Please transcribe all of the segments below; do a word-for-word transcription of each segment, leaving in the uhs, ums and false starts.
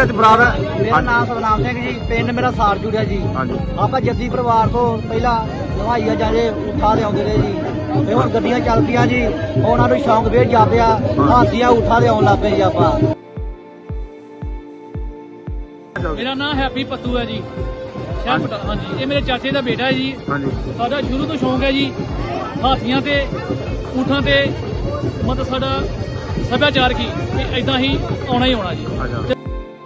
मेरा नाम सतनाम सिंह जी, पिंड मेरा सार जुड़िया जी। आप जद्दी परिवार को पहला हवाईया जहाजे उठा ले आते रहे जी, फिर हम गड्डियां चल पिया जी, उन्होंने शौक बेच जा पिया, हाथियां उठा ले आने लग पे जी। आप मेरा नाम हैप्पी पत्तू है जी, हाँ जी, ये मेरे चाचे का बेटा है जी। साडा शुरू तो शौक है जी हाथियां ते ऊंठां ते, मतलब साडा सभ्याचार की इदा ही आना ही आना जी।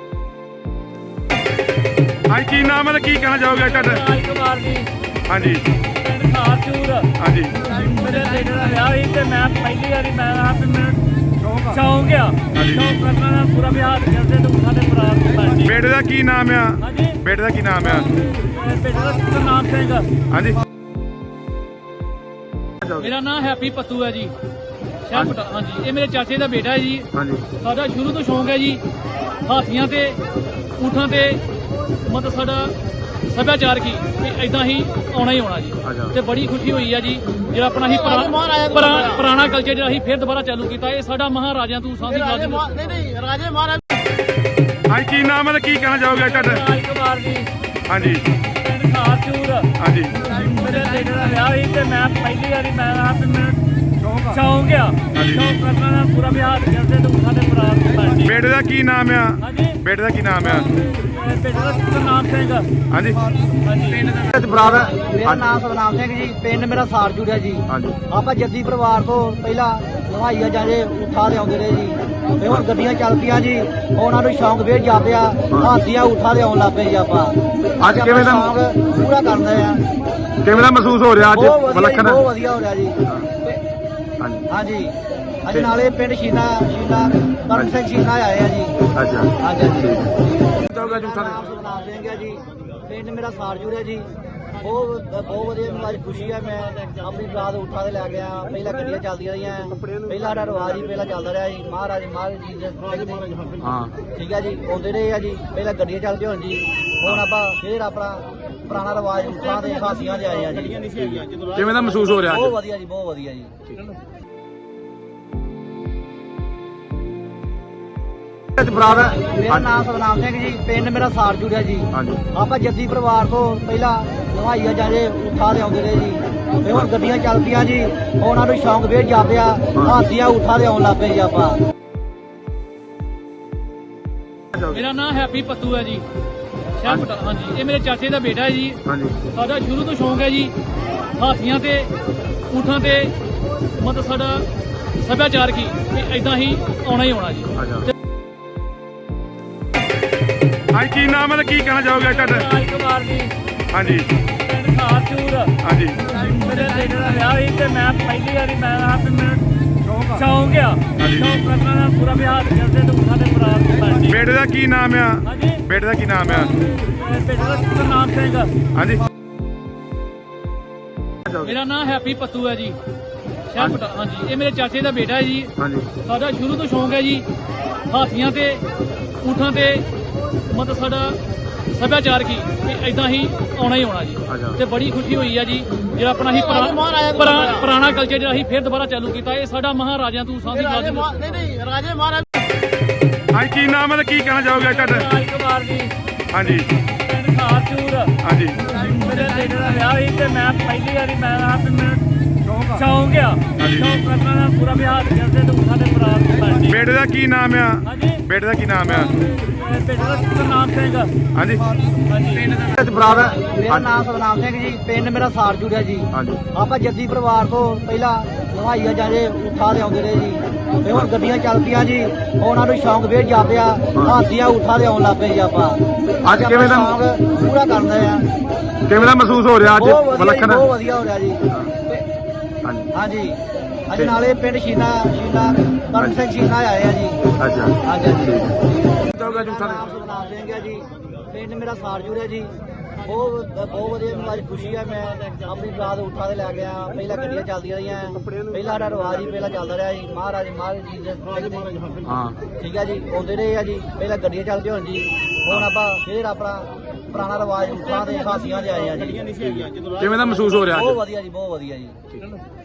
हाँ की नाम है, की कहना चाहोगे तुहाडा? राजकुमार जी, हाँ जी, पिंड खारचूर। हाँ जी, मेरे बेटे का विआह ही ते मैं पहली बारी मैं आप शौक आ शौक करना ना पूरा बिहार करते तो उठा दे बरात। बेटे का की नाम है? हाँ जी, बेटे का की नाम है? बेटे का सतनाम सिंह। हाँ जी, मेरा नाम हैप्पी पत्तू है जी, हाँ जी, ये मेरे चाचे का बेटा है जी। साडा शुरू तो शौक है जी हाथियां ते ऊंठां ते, मतलब साडा सभ्याचार की इदा ही आना ही आना जी। ते बड़ी खुशी हुई है जी जो अपना ही पुराना कल्चर जो असीं फिर दोबारा चालू किया। ये साडा महाराजा तू सांधी राजे महाराज। हाँ की नाम है, की कहना चाहोगे तुहाडा? राजकुमार जी, हाँ जी, पिंड खारचूर। हाँ जी, मेरे बेटे का विआह ही ते मैं पहली बारी मैं आप शौक आ शौक करना ना पूरा बिहार करते तो उठा दे बरात। बेटे का की नाम है? हाँ जी, बेटे का की नाम है? बेटे का सतनाम सिंह। हाँ जी, मेरा नाम सतनाम सिंह जी, पिंड मेरा सार जुड़िया जी। आप जद्दी परिवार को पहला हवाईया जहाजे उठा ले आते रहे जी, फिर हम गड्डियां चल पिया जी, उन्होंने शौक बेच जा पिया, हाथियां उठा ले आने लग पे जी। आप ਅੱਜ ਕਿਵੇਂ ਦਾ शौक पूरा करते हैं। ਕਿਵੇਂ ਦਾ ਮਹਿਸੂਸ ਹੋ ਰਿਹਾ ਅੱਜ ਵਿਲੱਖਣ? बहुत वधिया हो रहा जी। हाँ जी, अज नाले पिंड शीना शीना करम सिंह शीना आए हैं जी। अच्छा, हाँ जी, हाँ जी। ਚਾਹੋਗਾ ਜੂਠਾ नाम सतनाम सिंह है जी, पिंड मेरा सार जुड़िया जी। बहुत बहुत वधिया मैनूं अज खुशी है। मैं अपनी बरात उठा के लै गया, पहला गड्डियां चलदियां रहियां, पहला साडा रिवाज ही पहला चलदा रहा जी, महाराज महाराज जी दे। हाँ ठीक है जी, आउंदे रहे आ जी, पहला गड्डियां चलदी होण जी, हुण आपां फिर अपना पुराना रिवाज उठां दे हासियां दे आए आ जी। ਕਿਵੇਂ ਦਾ ਮਹਿਸੂਸ ਹੋ ਰਿਹਾ बहुत ਅੱਜ? वधिया जी, बहुत वधिया जी। मेरा नाम सतनाम सिंह जी, पिंड मेरा सार जुड़िया जी। आप जद्दी परिवार को पहला हवाईया जहाजे उठा ले आते रहे जी, फिर हम गड्डियां चल पिया जी, उन्होंने शौक बेच जा पिया, हाथियां उठा ले आने लग पे जी। आप मेरा नाम हैप्पी पत्तू है जी, हाँ जी, ये मेरे चाचे का बेटा है जी। साडा शुरू तो शौक है जी हाथियां ते ऊंठां ते, मतलब साडा सभ्याचार की इदा ही आना ही आना जी। हाँ की नाम है, की कहना चाहोगे तुहाडा? राजकुमार जी, हाँ जी, पिंड खारचूर। हाँ जी, मेरे बेटे का विआह ही ते मैं पहली बारी मैं आप शौक आ शौक करना ना पूरा बिहार करते तो उठा दे बरात। बेटे का की नाम है? हाँ जी, बेटे का की नाम है? बेटे का सतनाम सिंह। हाँ जी, मेरा नाम हैप्पी पत्तू है जी, हाँ जी, ये मेरे चाचे का बेटा है जी। साडा शुरू तो शौक है जी हाथियां ते ऊंठां ते, मतलब साडा सभ्याचार की इदा ही आना ही आना जी। ते बड़ी खुशी हुई है जी जो अपना ही पुराना कल्चर जो असीं फिर दोबारा चालू किया। ये साडा महाराजा तू सांधी राजे महाराज। हाँ की नाम है, की कहना चाहोगे तुहाडा? राजकुमार जी, हाँ जी, पिंड खारचूर। हाँ जी, मेरे बेटे का विआह ही ते मैं पहली बारी मैं आप शौक आ शौक करना ना पूरा बिहार करते तो उठा दे बरात। बेटे का की नाम है? हाँ जी, बेटे का की नाम है? बेटे का सतनाम सिंह। हाँ जी, मेरा नाम सतनाम सिंह जी, पिंड मेरा सार जुड़िया जी। आप जद्दी परिवार को पहला हवाईया जहाजे उठा ले आते रहे जी, फिर हम गड्डियां चल पिया जी, उन्होंने शौक बेच जा पिया, हाथियां उठा ले आने लग पे जी। आप ਅੱਜ ਕਿਵੇਂ ਦਾ शौक पूरा करते हैं। ਕਿਵੇਂ ਦਾ ਮਹਿਸੂਸ ਹੋ ਰਿਹਾ ਅੱਜ बहुत ਵਿਲੱਖਣ? वधिया हो रहा जी। हाँ जी, अज नाले पिंड शीना शीना करम सिंह शीना आए हैं जी। अच्छा, हाँ जी, हाँ जी। ਚਾਹੋਗਾ ਜੂਠਾ नाम सतनाम सिंह है जी, पिंड मेरा सार जुड़िया जी। बहुत बहुत वधिया मैनूं अज खुशी है। मैं अपनी बरात उठा के लै गया, पहला गड्डियां चलदियां रहियां, पहला साडा रिवाज ही पहला चलदा रहा जी, महाराज महाराज जी दे। हाँ ठीक है जी, आउंदे रहे आ जी, पहला गड्डियां चलदियां होण जी, हुण आपां फिर अपना पुराना रिवाज उठां दे हासियां दे आए आ जी। ਕਿਵੇਂ ਦਾ ਮਹਿਸੂਸ ਹੋ ਰਿਹਾ बहुत ਅੱਜ? वधिया जी, बहुत वधिया जी।